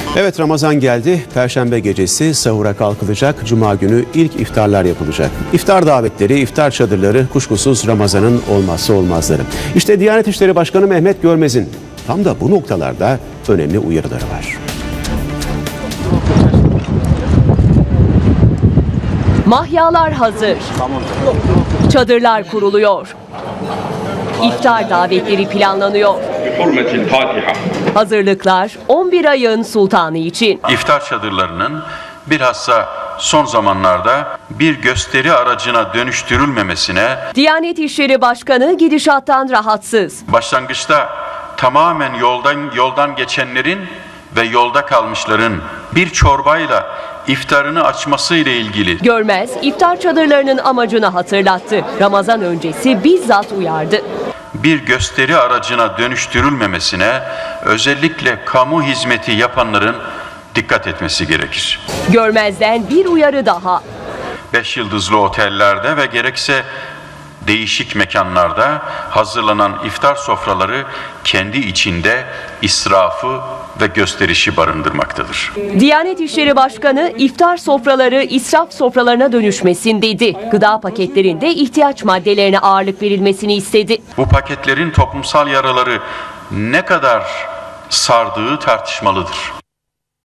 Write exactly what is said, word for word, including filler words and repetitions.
Evet, Ramazan geldi. Perşembe gecesi sahura kalkılacak. Cuma günü ilk iftarlar yapılacak. İftar davetleri, iftar çadırları kuşkusuz Ramazan'ın olmazsa olmazları. İşte Diyanet İşleri Başkanı Mehmet Görmez'in tam da bu noktalarda önemli uyarıları var. Mahyalar hazır. Çadırlar kuruluyor. İftar davetleri planlanıyor. Hazırlıklar on bir ayın sultanı için. İftar çadırlarının bilhassa son zamanlarda bir gösteri aracına dönüştürülmemesine, Diyanet İşleri Başkanı gidişattan rahatsız. başlangıçta tamamen yoldan yoldan geçenlerin ve yolda kalmışların bir çorbayla iftarını açması ile ilgili Görmez, iftar çadırlarının amacını hatırlattı. Ramazan öncesi bizzat uyardı. bir gösteri aracına dönüştürülmemesine özellikle kamu hizmeti yapanların dikkat etmesi gerekir. Görmezden bir uyarı daha. Beş yıldızlı otellerde ve gerekse değişik mekanlarda hazırlanan iftar sofraları kendi içinde israfı ve gösterişi barındırmaktadır. Diyanet İşleri Başkanı iftar sofraları israf sofralarına dönüşmesin dedi. Gıda paketlerinde ihtiyaç maddelerine ağırlık verilmesini istedi. Bu paketlerin toplumsal yaraları ne kadar sardığı tartışmalıdır.